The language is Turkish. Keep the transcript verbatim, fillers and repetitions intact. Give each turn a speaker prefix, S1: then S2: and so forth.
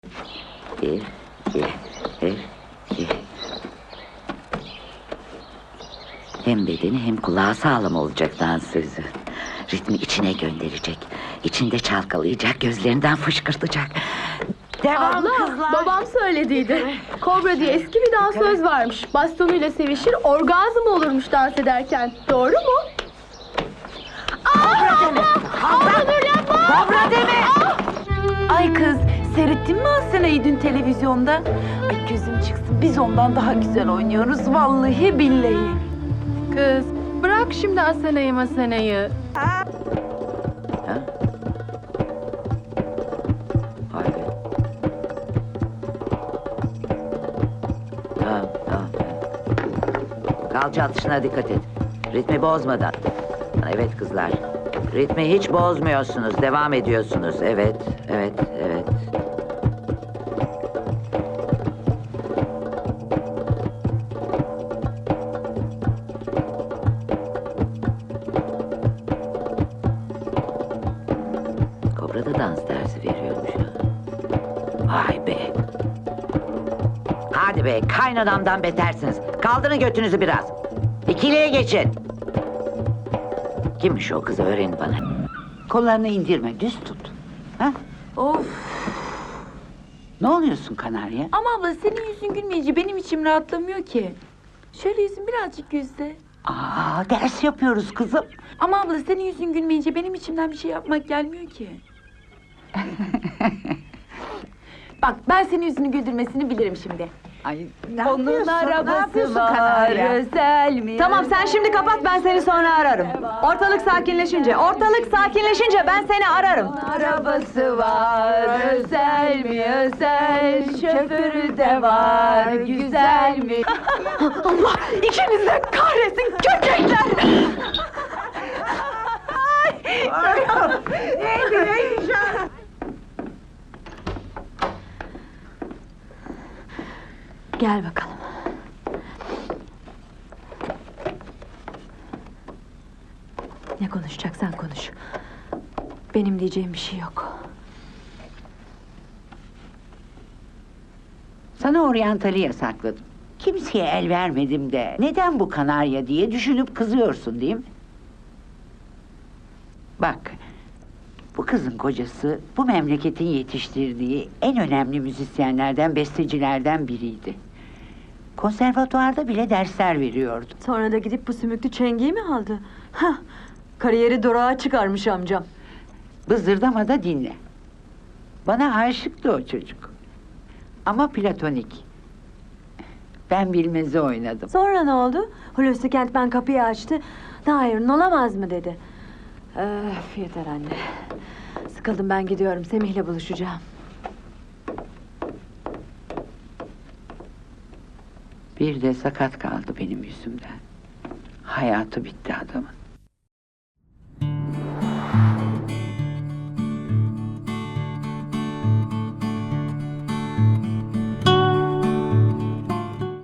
S1: Bir, iki, bir, iki. Hem bedeni hem kulağı sağlam olacak dansözü. Ritmi içine gönderecek. İçinde çalkalayacak, gözlerinden fışkırtacak. Devam
S2: Abla,
S1: kızlar.
S2: babam söylediydi. Kobra diye eski bir dansöz varmış. Bastonuyla sevişir, orgazm olurmuş dans ederken. Doğru mu?
S1: Kobra deme! Kobra deme! Kobra deme!
S3: Ay kız, seyrettin mi Asena'yı dün televizyonda? Ay gözüm çıksın, biz ondan daha güzel oynuyoruz vallahi billahi.
S2: Kız, bırak şimdi Asena'yı Masena'yı.
S1: Ha? Vay be. Tamam, tamam. Kalça atışına dikkat et. Ritmi bozmadan. Evet kızlar. Ritmi hiç bozmuyorsunuz. Devam ediyorsunuz. Evet, evet, evet. Kobra da dans dersi veriyormuş ya. Vay be. Hadi be, kaynanamdan betersiniz. Kaldırın götünüzü biraz. İkiliye geçin. Kimmiş o kız, öğrenin bana.
S4: Kollarını indirme, düz tut. Ha?
S3: Of!
S4: Ne oluyorsun Kanarya?
S3: Ama abla senin yüzün gülmeyince benim içim rahatlamıyor ki. Şöyle yüzün birazcık gülse.
S4: Aa, ders yapıyoruz kızım.
S3: Ama abla senin yüzün gülmeyince benim içimden bir şey yapmak gelmiyor ki. Bak ben senin yüzünü güldürmesini bilirim şimdi.
S4: Ay, ne
S3: Onun
S4: yapıyorsun?
S3: arabası
S4: ne yapıyorsun
S3: var,
S4: Kanarya?
S3: özel mi?
S5: Tamam sen şimdi kapat, ben seni sonra ararım. Ortalık sakinleşince, ortalık sakinleşince ben seni ararım.
S3: Arabası var, özel mi özel, şoförü de var, güzel mi?
S5: Allah ikiniz de kahretsin köpekler! Gel bakalım. Ne konuşacaksan konuş. Benim diyeceğim bir şey yok.
S4: Sana oryantali yasakladım. Kimseye el vermedim de neden bu Kanarya diye düşünüp kızıyorsun değil mi? Bak, bu kızın kocası bu memleketin yetiştirdiği en önemli müzisyenlerden, bestecilerden biriydi. Konservatuvarda bile dersler veriyordu.
S5: Sonra da gidip bu sümüklü çengiyi mi aldı? Hah, kariyeri durağa çıkarmış amcam.
S4: Bızdırdama da dinle. Bana aşıktı o çocuk. Ama platonik. Ben bilmezi oynadım.
S5: Sonra ne oldu? Hulusi Kentmen kapıyı açtı. Hayır, olamaz mı dedi. Öf, yeter anne. Sıkıldım, ben gidiyorum. Semih'le buluşacağım.
S4: Bir de sakat kaldı benim yüzümden. Hayatı bitti adamın.